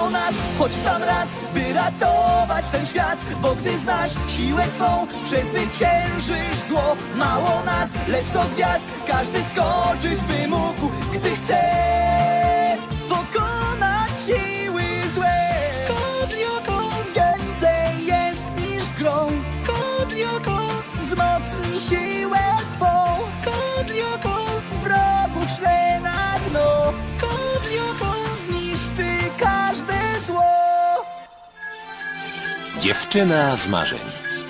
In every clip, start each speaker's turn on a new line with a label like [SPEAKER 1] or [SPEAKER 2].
[SPEAKER 1] o nas, choć w sam raz, by ratować ten świat. Bo gdy znasz siłę swą, przezwyciężysz zło. Mało nas, lecz do gwiazd każdy skoczyć by mógł, gdy chce pokonać siły złe. Kodlioko więcej jest niż grą. Kodlioko wzmocni siłę twą. Kodlioko wrogów szle na dno. Kodlioko zniszczy każde zło.
[SPEAKER 2] Dziewczyna z marzeń.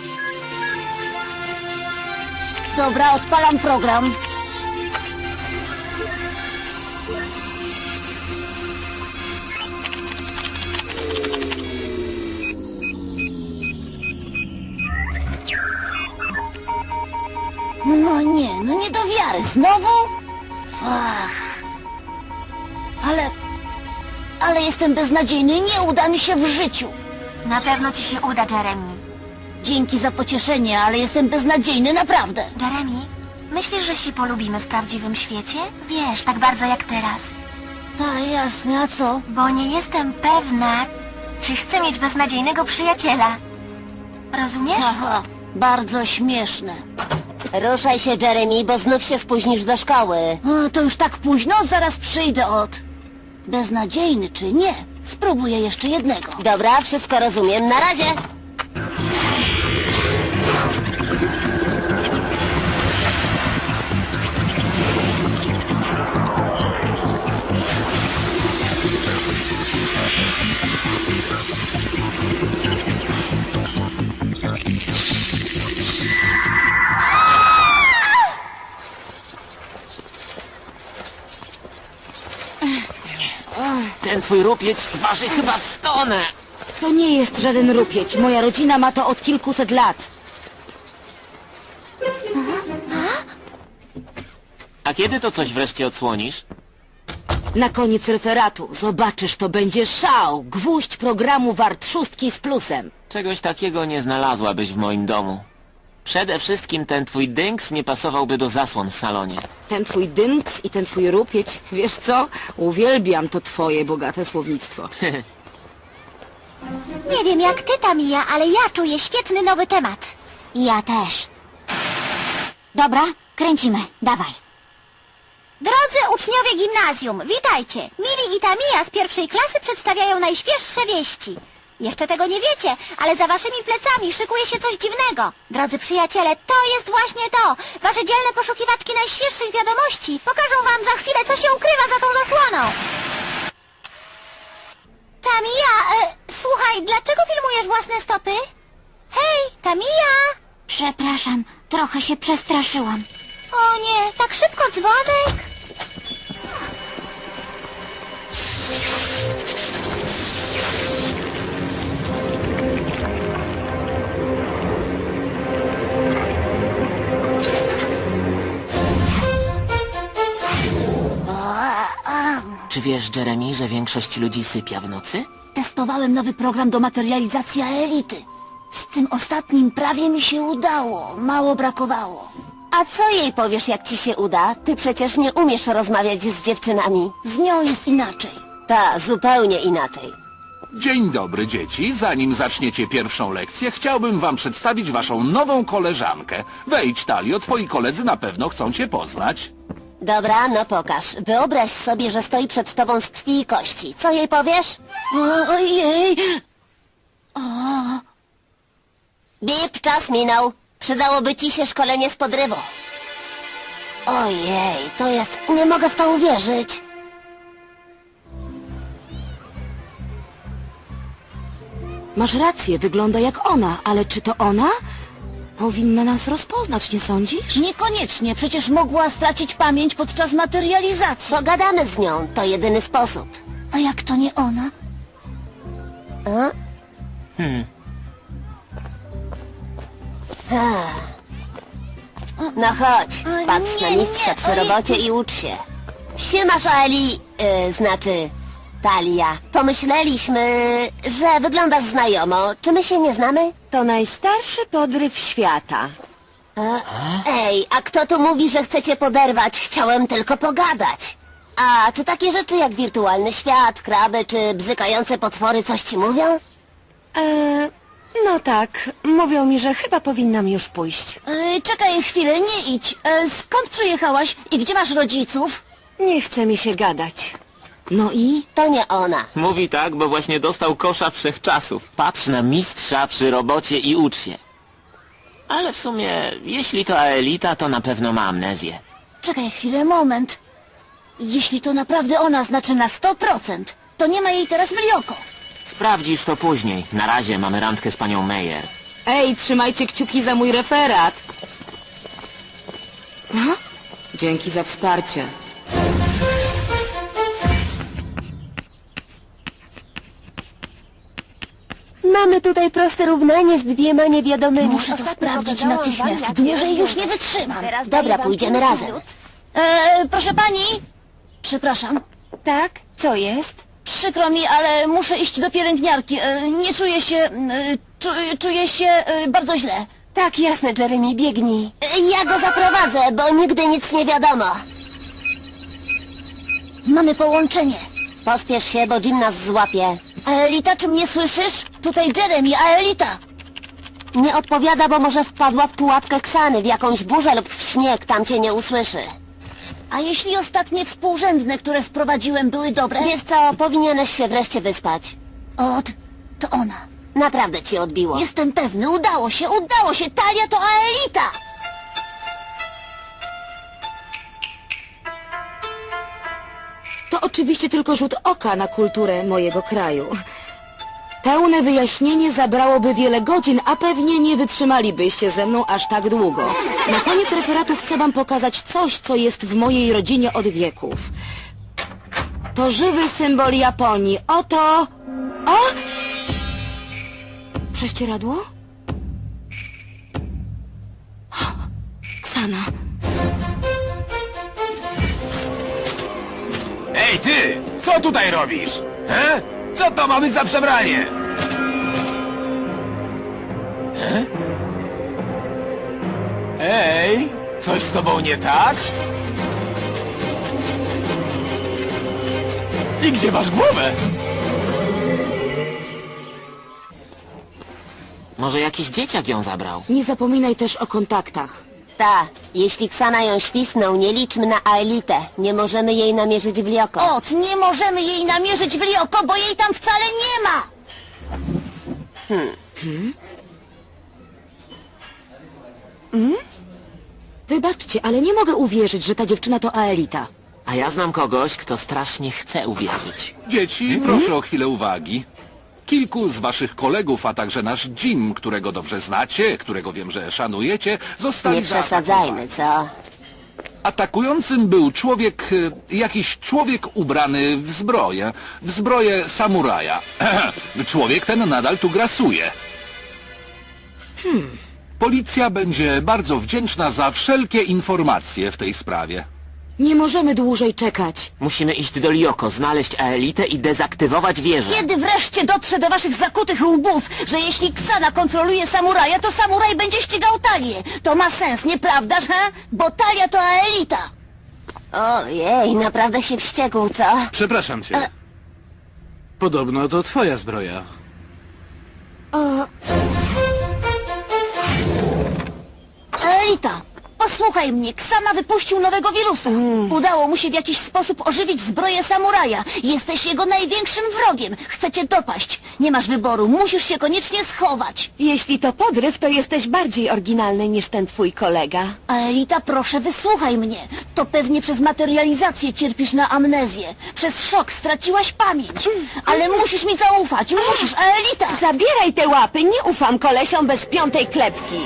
[SPEAKER 3] Dobra, odpalam program. No nie do wiary. Znowu? Ach. Ale jestem beznadziejny. Nie uda mi się w życiu.
[SPEAKER 4] Na pewno ci się uda, Jeremy.
[SPEAKER 3] Dzięki za pocieszenie, ale jestem beznadziejny, naprawdę.
[SPEAKER 4] Jeremy, myślisz, że się polubimy w prawdziwym świecie? Wiesz, tak bardzo jak teraz.
[SPEAKER 3] Tak, jasne, a co?
[SPEAKER 4] Bo nie jestem pewna, czy chcę mieć beznadziejnego przyjaciela. Rozumiesz?
[SPEAKER 3] Aha, bardzo śmieszne.
[SPEAKER 5] Ruszaj się, Jeremy, bo znów się spóźnisz do szkoły.
[SPEAKER 3] O, to już tak późno, zaraz przyjdę od... Beznadziejny czy nie? Spróbuję jeszcze jednego.
[SPEAKER 5] Dobra, wszystko rozumiem. Na razie!
[SPEAKER 6] Ten twój rupieć waży chyba 100 tonę.
[SPEAKER 3] To nie jest żaden rupieć. Moja rodzina ma to od kilkuset lat.
[SPEAKER 6] A kiedy to coś wreszcie odsłonisz?
[SPEAKER 3] Na koniec referatu. Zobaczysz, to będzie szał. Gwóźdź programu wart 6 z plusem.
[SPEAKER 6] Czegoś takiego nie znalazłabyś w moim domu. Przede wszystkim ten twój dynks nie pasowałby do zasłon w salonie.
[SPEAKER 3] Ten twój dynks i ten twój rupieć. Wiesz co? Uwielbiam to twoje bogate słownictwo.
[SPEAKER 4] Nie wiem jak ty, Tamia, ale ja czuję świetny nowy temat.
[SPEAKER 5] Ja też. Dobra, kręcimy. Dawaj.
[SPEAKER 4] Drodzy uczniowie gimnazjum, witajcie! Mili i Tamia z pierwszej klasy przedstawiają najświeższe wieści. Jeszcze tego nie wiecie, ale za waszymi plecami szykuje się coś dziwnego. Drodzy przyjaciele, to jest właśnie to! Wasze dzielne poszukiwaczki najświeższych wiadomości pokażą wam za chwilę, co się ukrywa za tą zasłoną. Tamia, słuchaj, dlaczego filmujesz własne stopy? Hej, Tamia!
[SPEAKER 5] Przepraszam, trochę się przestraszyłam.
[SPEAKER 4] O nie, tak szybko dzwonek!
[SPEAKER 6] Czy wiesz, Jeremy, że większość ludzi sypia w nocy?
[SPEAKER 3] Testowałem nowy program do materializacji elity. Z tym ostatnim prawie mi się udało. Mało brakowało.
[SPEAKER 5] A co jej powiesz, jak ci się uda? Ty przecież nie umiesz rozmawiać z dziewczynami.
[SPEAKER 3] Z nią jest inaczej.
[SPEAKER 5] Ta, zupełnie inaczej.
[SPEAKER 7] Dzień dobry, dzieci. Zanim zaczniecie pierwszą lekcję, chciałbym wam przedstawić waszą nową koleżankę. Wejdź, Talio, twoi koledzy na pewno chcą cię poznać.
[SPEAKER 5] Dobra, no pokaż. Wyobraź sobie, że stoi przed tobą z krwi i kości. Co jej powiesz?
[SPEAKER 3] Ojej!
[SPEAKER 5] Bip, czas minął. Przydałoby ci się szkolenie z podrywu.
[SPEAKER 3] Ojej, to jest... Nie mogę w to uwierzyć. Masz rację, wygląda jak ona, ale czy to ona? Powinna nas rozpoznać, nie sądzisz? Niekoniecznie, przecież mogła stracić pamięć podczas materializacji.
[SPEAKER 5] Pogadamy z nią, to jedyny sposób.
[SPEAKER 3] A jak to nie ona?
[SPEAKER 5] No chodź, patrz na
[SPEAKER 3] nie,
[SPEAKER 5] mistrza
[SPEAKER 3] nie,
[SPEAKER 5] przy
[SPEAKER 3] oj.
[SPEAKER 5] robocie i ucz się. Siemasz, Eli... znaczy... Talia. Pomyśleliśmy, że wyglądasz znajomo. Czy my się nie znamy?
[SPEAKER 8] To najstarszy podryw świata.
[SPEAKER 5] Ej, a kto tu mówi, że chcecie poderwać? Chciałem tylko pogadać. A czy takie rzeczy jak wirtualny świat, kraby czy bzykające potwory coś ci mówią?
[SPEAKER 8] No tak, mówią mi, że chyba powinnam już pójść.
[SPEAKER 3] Czekaj chwilę, nie idź. Skąd przyjechałaś i gdzie masz rodziców?
[SPEAKER 8] Nie chce mi się gadać.
[SPEAKER 3] No i?
[SPEAKER 5] To nie ona.
[SPEAKER 6] Mówi tak, bo właśnie dostał kosza wszechczasów. Patrz na mistrza przy robocie i ucz się. Ale w sumie, jeśli to Aelita, to na pewno ma amnezję.
[SPEAKER 3] Czekaj chwilę, moment. Jeśli to naprawdę ona, znaczy na 100%, to nie ma jej teraz w Lioko.
[SPEAKER 6] Sprawdzisz to później. Na razie mamy randkę z panią Meyer.
[SPEAKER 9] Ej, trzymajcie kciuki za mój referat. Aha. Dzięki za wsparcie.
[SPEAKER 5] Mamy tutaj proste równanie z dwiema niewiadomymi.
[SPEAKER 3] Muszę to sprawdzić natychmiast. Dłużej już nie wytrzymam.
[SPEAKER 5] Dobra, pójdziemy razem.
[SPEAKER 3] Proszę pani? Przepraszam.
[SPEAKER 8] Tak? Co jest?
[SPEAKER 3] Przykro mi, ale muszę iść do pielęgniarki. Nie czuję się... czuję się bardzo źle.
[SPEAKER 5] Tak, jasne, Jeremy, biegnij. Ja go zaprowadzę, bo nigdy nic nie wiadomo.
[SPEAKER 3] Mamy połączenie.
[SPEAKER 5] Pospiesz się, bo Jim nas złapie.
[SPEAKER 3] Aelita, czy mnie słyszysz? Tutaj Jeremy, Aelita.
[SPEAKER 5] Nie odpowiada, bo może wpadła w pułapkę Ksany, w jakąś burzę lub w śnieg, tam cię nie usłyszy.
[SPEAKER 3] A jeśli ostatnie współrzędne, które wprowadziłem, były dobre?
[SPEAKER 5] Wiesz co, powinieneś się wreszcie wyspać.
[SPEAKER 3] To ona.
[SPEAKER 5] Naprawdę ci odbiło.
[SPEAKER 3] Jestem pewny, udało się. Talia to Aelita.
[SPEAKER 9] To oczywiście tylko rzut oka na kulturę mojego kraju. Pełne wyjaśnienie zabrałoby wiele godzin, a pewnie nie wytrzymalibyście ze mną aż tak długo. Na koniec referatu chcę wam pokazać coś, co jest w mojej rodzinie od wieków. To żywy symbol Japonii. Oto... O! Prześcieradło? Ksana.
[SPEAKER 10] Ej ty! Co tutaj robisz? He? Co to ma być za przebranie? He? Ej! Coś z tobą nie tak? I gdzie masz głowę?
[SPEAKER 6] Może jakiś dzieciak ją zabrał?
[SPEAKER 9] Nie zapominaj też o kontaktach.
[SPEAKER 5] Ta, jeśli Ksana ją świsnął, nie liczmy na Aelitę. Nie możemy jej namierzyć w Lioko.
[SPEAKER 3] Nie możemy jej namierzyć w Lioko, bo jej tam wcale nie ma.
[SPEAKER 9] Wybaczcie, ale nie mogę uwierzyć, że ta dziewczyna to Aelita.
[SPEAKER 6] A ja znam kogoś, kto strasznie chce uwierzyć.
[SPEAKER 7] Dzieci, proszę o chwilę uwagi. Kilku z waszych kolegów, a także nasz Jim, którego dobrze znacie, którego wiem, że szanujecie, zostali
[SPEAKER 5] Nie przesadzajmy, co?
[SPEAKER 7] Atakującym był człowiek, jakiś człowiek ubrany w zbroję samuraja. Człowiek ten nadal tu grasuje. Policja będzie bardzo wdzięczna za wszelkie informacje w tej sprawie.
[SPEAKER 9] Nie możemy dłużej czekać.
[SPEAKER 6] Musimy iść do Lioko, znaleźć Aelitę i dezaktywować wieżę.
[SPEAKER 3] Kiedy wreszcie dotrze do waszych zakutych łbów, że jeśli Ksana kontroluje samuraja, to samuraj będzie ścigał Talię. To ma sens, nieprawdaż, he? Bo Talia to Aelita.
[SPEAKER 5] Ojej, naprawdę się wściekł, co?
[SPEAKER 10] Przepraszam cię. Podobno to twoja zbroja.
[SPEAKER 3] Aelita, posłuchaj mnie, Ksana wypuścił nowego wirusa. Udało mu się w jakiś sposób ożywić zbroję samuraja. Jesteś jego największym wrogiem. Chce cię dopaść. Nie masz wyboru, musisz się koniecznie schować.
[SPEAKER 8] Jeśli to podryw, to jesteś bardziej oryginalny niż ten twój kolega.
[SPEAKER 3] Aelita, proszę, wysłuchaj mnie. To pewnie przez materializację cierpisz na amnezję. Przez szok straciłaś pamięć. Ale musisz mi zaufać, musisz, Aelita!
[SPEAKER 8] Zabieraj te łapy, nie ufam kolesiom bez piątej klepki.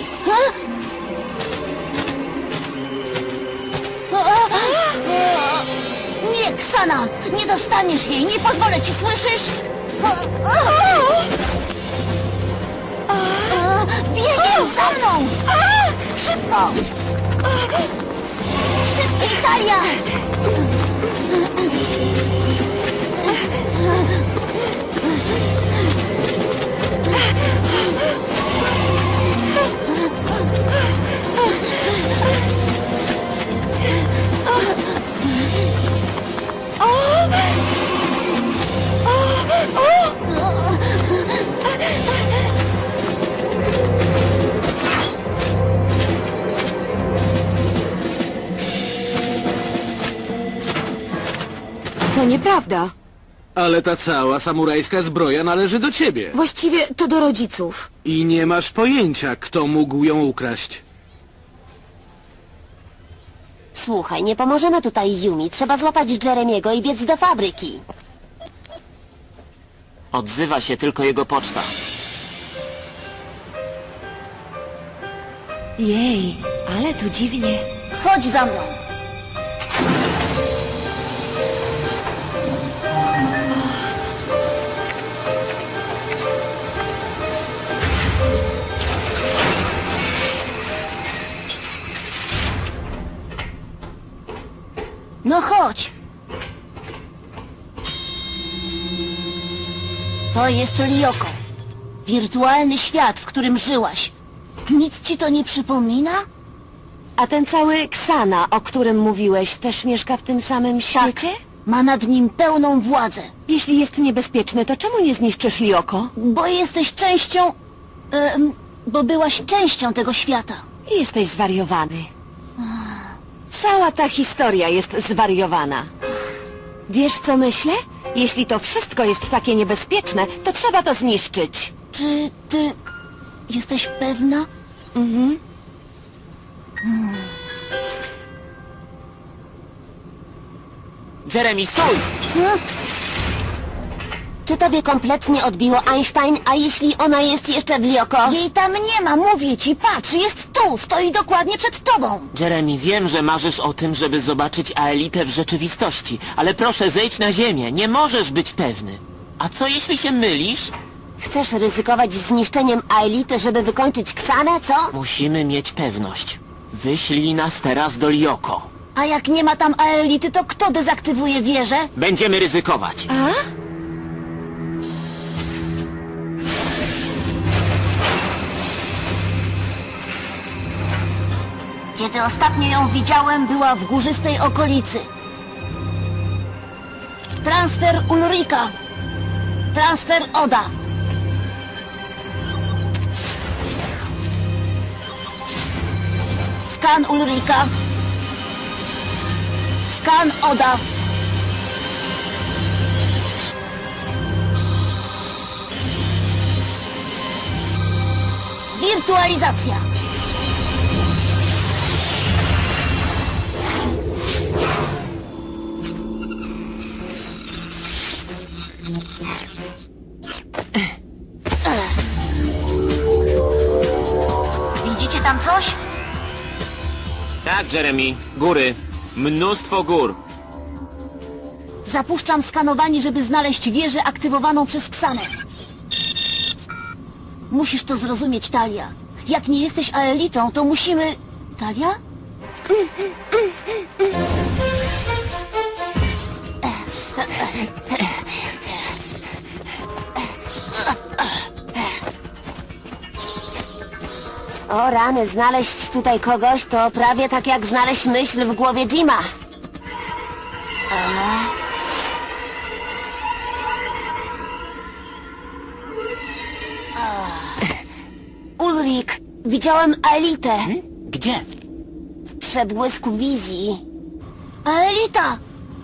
[SPEAKER 3] Nie, Ksana! Nie dostaniesz jej! Nie pozwolę ci, słyszysz? Biegiem za mną! Szybko! Szybciej, Talia!
[SPEAKER 9] nieprawda.
[SPEAKER 11] Ale ta cała samurajska zbroja należy do ciebie.
[SPEAKER 9] Właściwie to do rodziców.
[SPEAKER 11] I nie masz pojęcia, kto mógł ją ukraść.
[SPEAKER 5] Słuchaj, nie pomożemy tutaj Yumi. Trzeba złapać Jeremiego i biec do fabryki.
[SPEAKER 6] Odzywa się tylko jego poczta.
[SPEAKER 8] Jej, ale tu dziwnie.
[SPEAKER 3] Chodź za mną. No chodź. To jest Lyoko. Wirtualny świat, w którym żyłaś. Nic ci to nie przypomina?
[SPEAKER 8] A ten cały Ksana, o którym mówiłeś, też mieszka w tym samym świecie?
[SPEAKER 3] Ma nad nim pełną władzę.
[SPEAKER 8] Jeśli jest niebezpieczny, to czemu nie zniszczysz Lyoko?
[SPEAKER 3] Bo jesteś częścią... bo byłaś częścią tego świata.
[SPEAKER 8] Jesteś zwariowany. Cała ta historia jest zwariowana. Wiesz, co myślę? Jeśli to wszystko jest takie niebezpieczne, to trzeba to zniszczyć.
[SPEAKER 3] Czy ty... jesteś pewna?
[SPEAKER 6] Jeremy, stój!
[SPEAKER 5] Czy tobie kompletnie odbiło Einstein, a jeśli ona jest jeszcze w Lyoko?
[SPEAKER 3] Jej tam nie ma, mówię ci, patrz, jest tu, stoi dokładnie przed tobą.
[SPEAKER 6] Jeremy, wiem, że marzysz o tym, żeby zobaczyć Aelitę w rzeczywistości, ale proszę, zejdź na ziemię, nie możesz być pewny. A co jeśli się mylisz?
[SPEAKER 5] Chcesz ryzykować zniszczeniem Aelity, żeby wykończyć Ksanę, co?
[SPEAKER 6] Musimy mieć pewność. Wyślij nas teraz do Lyoko.
[SPEAKER 3] A jak nie ma tam Aelity, to kto dezaktywuje wieżę?
[SPEAKER 6] Będziemy ryzykować.
[SPEAKER 3] Kiedy ostatnio ją widziałem, była w górzystej okolicy. Transfer Ulrika. Transfer Oda. Skan Ulrika. Skan Oda. Wirtualizacja. Widzicie tam coś?
[SPEAKER 6] Tak, Jeremy. Góry. Mnóstwo gór.
[SPEAKER 3] Zapuszczam skanowanie, żeby znaleźć wieżę aktywowaną przez Ksanę. Musisz to zrozumieć, Talia. Jak nie jesteś Aelitą, to musimy... Talia?
[SPEAKER 5] O rany, znaleźć tutaj kogoś to prawie tak jak znaleźć myśl w głowie Jima. Ulrik, widziałem Aelitę
[SPEAKER 6] Gdzie?
[SPEAKER 5] w przebłysku wizji.
[SPEAKER 3] Aelita!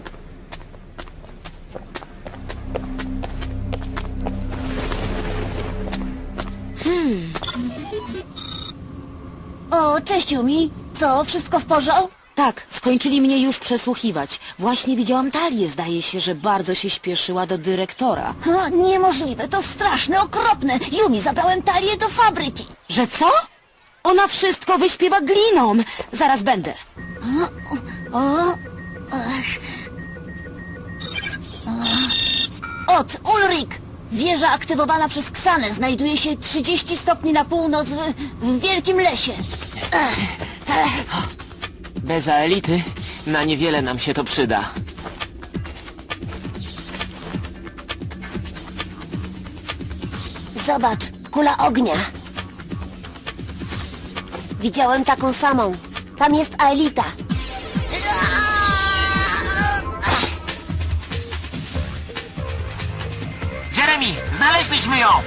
[SPEAKER 3] O, cześć Yumi. Co, wszystko w porządku?
[SPEAKER 9] Tak, skończyli mnie już przesłuchiwać. Właśnie widziałam Talię, zdaje się, że bardzo się śpieszyła do dyrektora.
[SPEAKER 3] Niemożliwe, to straszne, okropne. Yumi, zabrałem Talię do fabryki.
[SPEAKER 9] Że co? Ona wszystko wyśpiewa gliną. Zaraz będę.
[SPEAKER 3] Ulrik! Wieża aktywowana przez Ksanę znajduje się 30 stopni na północ w wielkim lesie.
[SPEAKER 6] Bez Aelity na niewiele nam się to przyda.
[SPEAKER 5] Zobacz, kula ognia. Widziałem taką samą. Tam jest Aelita.
[SPEAKER 6] Jeremy, znaleźliśmy ją!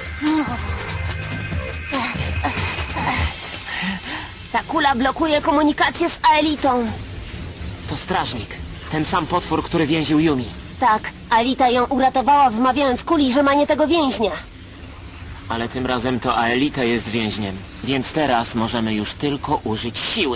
[SPEAKER 5] Ta kula blokuje komunikację z Aelitą.
[SPEAKER 6] To strażnik. Ten sam potwór, który więził Yumi.
[SPEAKER 5] Tak, Alita ją uratowała, wmawiając Kuli, że ma nie tego więźnia.
[SPEAKER 6] Ale tym razem to Aelita jest więźniem, więc teraz możemy już tylko użyć siły.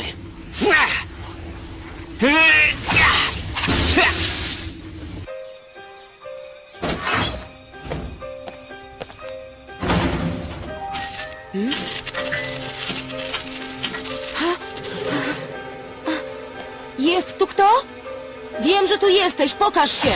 [SPEAKER 9] Jest tu kto? Wiem, że tu jesteś, pokaż się!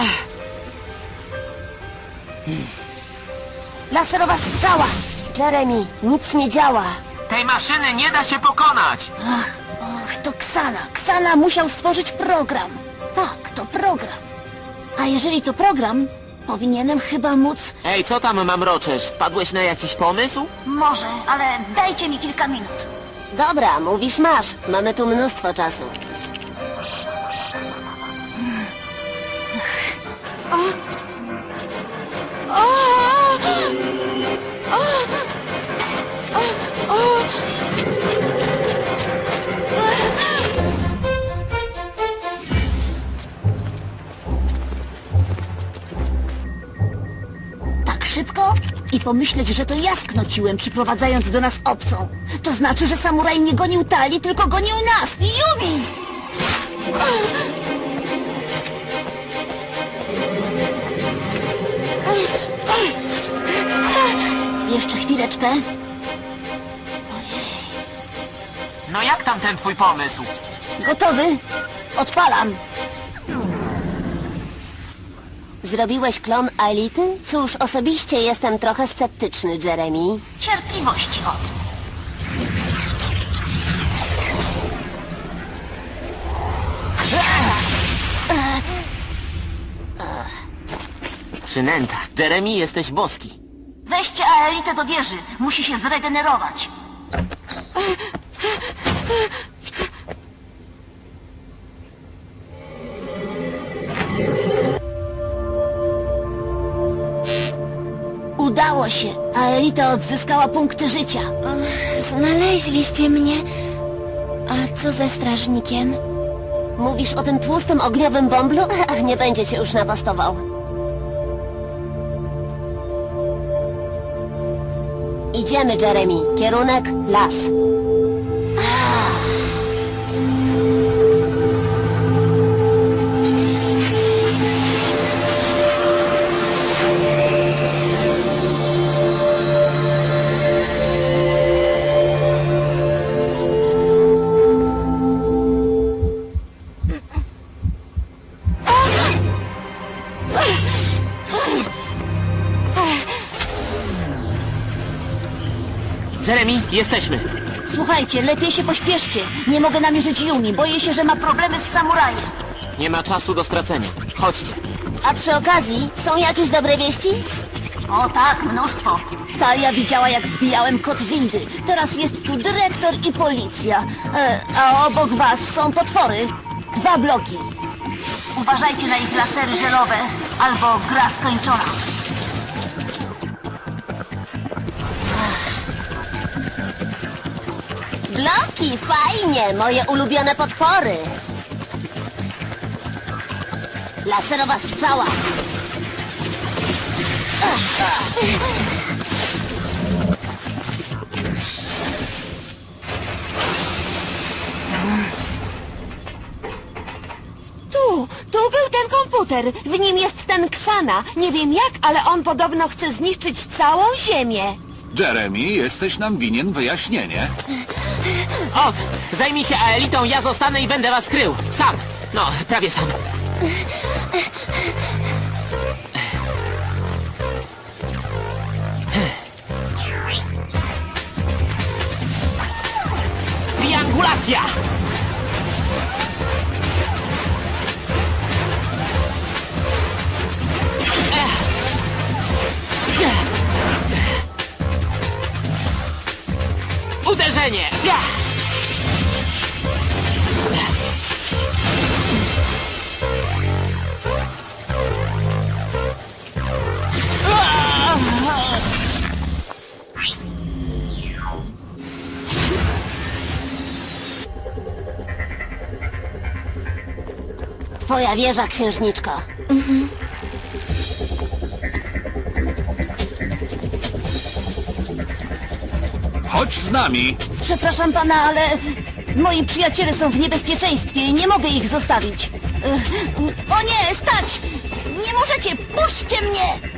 [SPEAKER 5] Laserowa strzała! Jeremy, nic nie działa.
[SPEAKER 6] Tej maszyny nie da się pokonać!
[SPEAKER 3] Ach, to Ksana. Ksana musiał stworzyć program. Tak, to program. A jeżeli to program, powinienem chyba móc...
[SPEAKER 6] Ej, co tam mamroczesz? Wpadłeś na jakiś pomysł?
[SPEAKER 3] Może, ale dajcie mi kilka minut.
[SPEAKER 5] Dobra, mówisz masz. Mamy tu mnóstwo czasu.
[SPEAKER 3] Tak szybko? I pomyśleć, że to ja sknociłem, przyprowadzając do nas obcą. To znaczy, że samuraj nie gonił Talii, tylko gonił nas! Yumi! Jeszcze chwileczkę.
[SPEAKER 6] No jak tam ten twój pomysł?
[SPEAKER 3] Gotowy? Odpalam.
[SPEAKER 5] Zrobiłeś klon Aelity? Cóż, osobiście jestem trochę sceptyczny, Jeremy.
[SPEAKER 3] Cierpliwości od.
[SPEAKER 6] Przynęta. Jeremy, jesteś boski.
[SPEAKER 3] Weźcie Aelitę do wieży. Musi się zregenerować. Udało się. Aelita odzyskała punkty życia.
[SPEAKER 4] Znaleźliście mnie. A co ze strażnikiem?
[SPEAKER 5] Mówisz o tym tłustym ogniowym bąblu? Nie będzie cię już napastował. Idziemy, Jeremy. Kierunek las.
[SPEAKER 6] Jeremy, jesteśmy.
[SPEAKER 3] Słuchajcie, lepiej się pośpieszcie. Nie mogę namierzyć Yumi. Boję się, że ma problemy z samurajem.
[SPEAKER 6] Nie ma czasu do stracenia. Chodźcie.
[SPEAKER 5] A przy okazji, są jakieś dobre wieści?
[SPEAKER 3] O tak, mnóstwo. Talia widziała, jak wbijałem kod windy. Teraz jest tu dyrektor i policja. A obok was są potwory. 2 bloki. Uważajcie na ich lasery żelowe, albo gra skończona.
[SPEAKER 5] Bloki, fajnie! Moje ulubione potwory. Laserowa strzała.
[SPEAKER 8] Tu był ten komputer. W nim jest ten Ksana. Nie wiem jak, ale on podobno chce zniszczyć całą Ziemię.
[SPEAKER 7] Jeremy, jesteś nam winien wyjaśnienie.
[SPEAKER 6] Od, zajmij się Aelitą, ja zostanę i będę was krył. Sam. No, prawie sam. Triangulacja! Uderzenie!
[SPEAKER 5] Twoja wieża, księżniczko.
[SPEAKER 7] Chodź z nami.
[SPEAKER 3] Przepraszam pana, ale moi przyjaciele są w niebezpieczeństwie i nie mogę ich zostawić. O nie, stać! Nie możecie! Puśćcie mnie!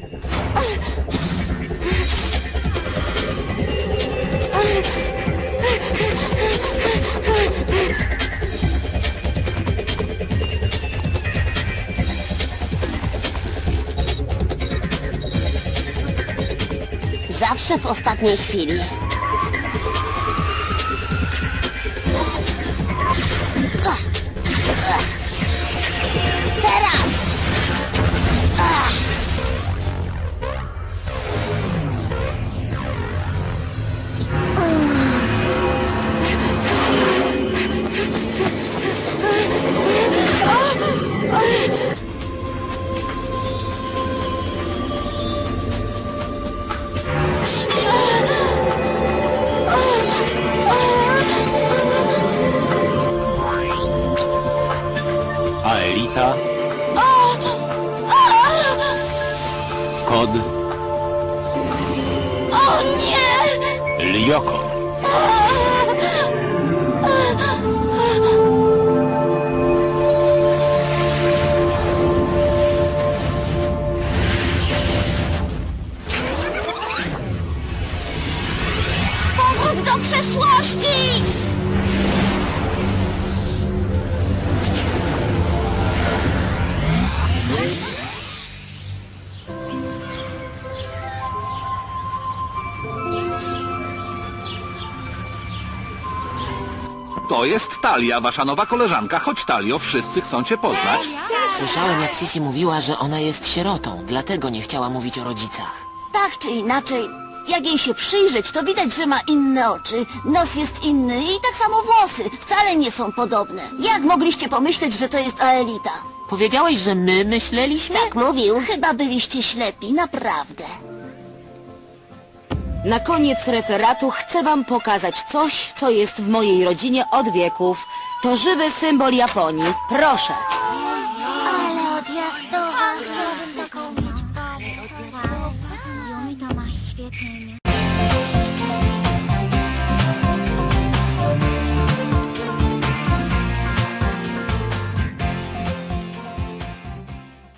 [SPEAKER 5] Zawsze w ostatniej chwili. Teraz!
[SPEAKER 2] Aelita. Kod.
[SPEAKER 3] O nie!
[SPEAKER 2] Lyoko.
[SPEAKER 3] Powrót do przeszłości!
[SPEAKER 7] To jest Talia, wasza nowa koleżanka. Chodź, Talio, wszyscy chcą cię poznać.
[SPEAKER 6] Słyszałem, jak Sisi mówiła, że ona jest sierotą, dlatego nie chciała mówić o rodzicach.
[SPEAKER 3] Tak czy inaczej, jak jej się przyjrzeć, to widać, że ma inne oczy, nos jest inny i tak samo włosy. Wcale nie są podobne. Jak mogliście pomyśleć, że to jest Aelita?
[SPEAKER 6] Powiedziałeś, że my myśleliśmy?
[SPEAKER 3] Tak mówił. Chyba byliście ślepi, naprawdę.
[SPEAKER 9] Na koniec referatu chcę wam pokazać coś, co jest w mojej rodzinie od wieków. To żywy symbol Japonii. Proszę.
[SPEAKER 4] Ale odjazdowa, chciałabym taką mieć. Yumi to ma świetne imię.